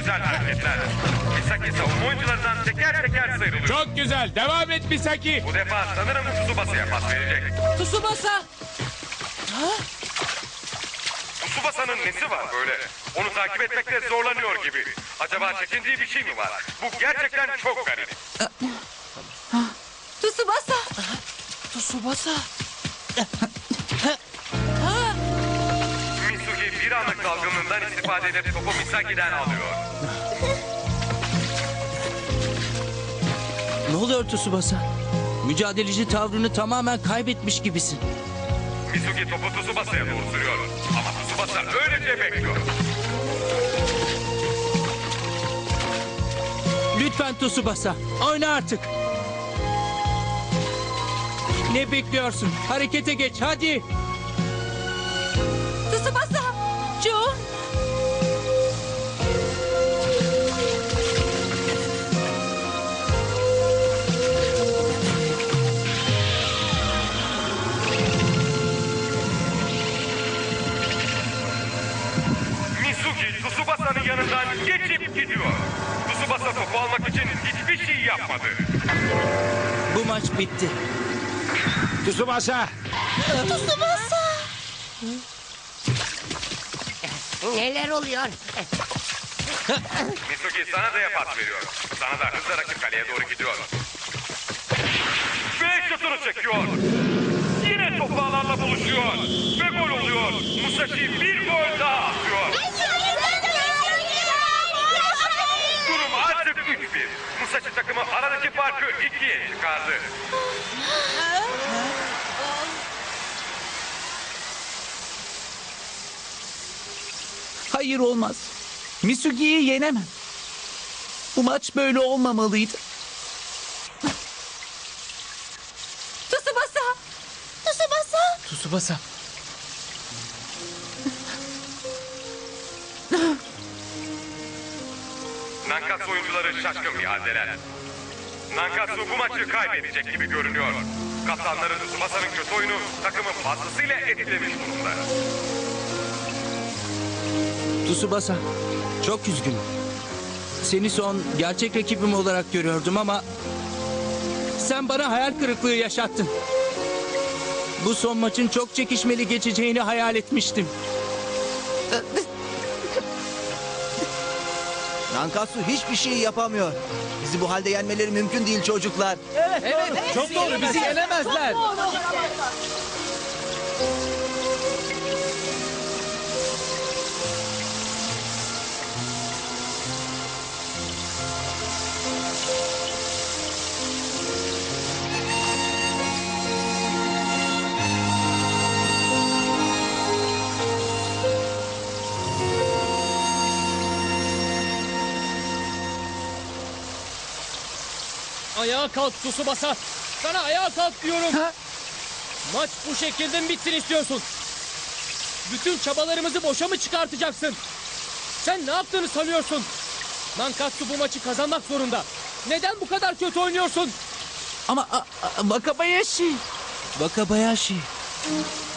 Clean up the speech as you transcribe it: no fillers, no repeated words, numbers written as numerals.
güzel hareketler. Misaki savunma oyuncularından teker teker sıyrılıyor. Çok güzel. Devam et Misaki. Bu defa sanırım Tsubasa'ya pas verecek. Tsubasa. Tsubasa'nın nesi var böyle? Onu takip etmekte zorlanıyor gibi. Acaba çekindiği bir şey mi var? Bu gerçekten çok garip. Tsubasa. Tsubasa. Misugi bir anlık dalgınlığından istifade edip topu Misaki'den alıyor. Ne oluyor Tsubasa? Mücadeleci tavrını tamamen kaybetmiş gibisin. Misugi topu Tsubasa'ya doğru sürüyor. Ama Tsubasa öylece bekliyor. Lütfen Tsubasa, oyna artık. Ne bekliyorsun? Harekete geç, hadi. Tsubasa. Jun. Misugi Tsubasa'nın yanından geçip gidiyor. Tsubasa topu almak için hiçbir şey yapmadı. Bu maç bitti. Tsubasa. Neler oluyor? Misugi Sanada'ya pas veriyor. Sanada hızla rakip kaleye doğru gidiyor. Ve şutunu çekiyor. Yine topu alanla buluşuyor. Ve gol oluyor. Musashi bir gol daha atıyor. Durum artık 3-1. Musashi takımı aradaki farkı 2'ye çıkardı. Hayır, olmaz. Misugi'yi yenemem. Bu maç böyle olmamalıydı. Tsubasa. Tsubasa. Tsubasa. Nankatsu oyuncuları şaşkın bir haldeler. Nankatsu bu maçı kaybedecek gibi görünüyor. Kaptanları Tsubasa'nın kötü oyunu takımı fazlasıyla etkilemiş durumda. Tsubasa, çok üzgünüm. Seni son gerçek rakibim olarak görüyordum ama... sen bana hayal kırıklığı yaşattın. Bu son maçın çok çekişmeli geçeceğini hayal etmiştim. Nankatsu hiçbir şey yapamıyor. Bizi bu halde yenmeleri mümkün değil çocuklar. Evet, çok doğru. Bizi yenemezler. Ayağa kalk Tsubasa. Sana ayağa kalk diyorum. Maç bu şekilde mi bitsin istiyorsun? Bütün çabalarımızı boşa mı çıkartacaksın? Sen ne yaptığını sanıyorsun? Nankatsu bu maçı kazanmak zorunda. Neden bu kadar kötü oynuyorsun? Ama Wakabayashi. Wakabayashi.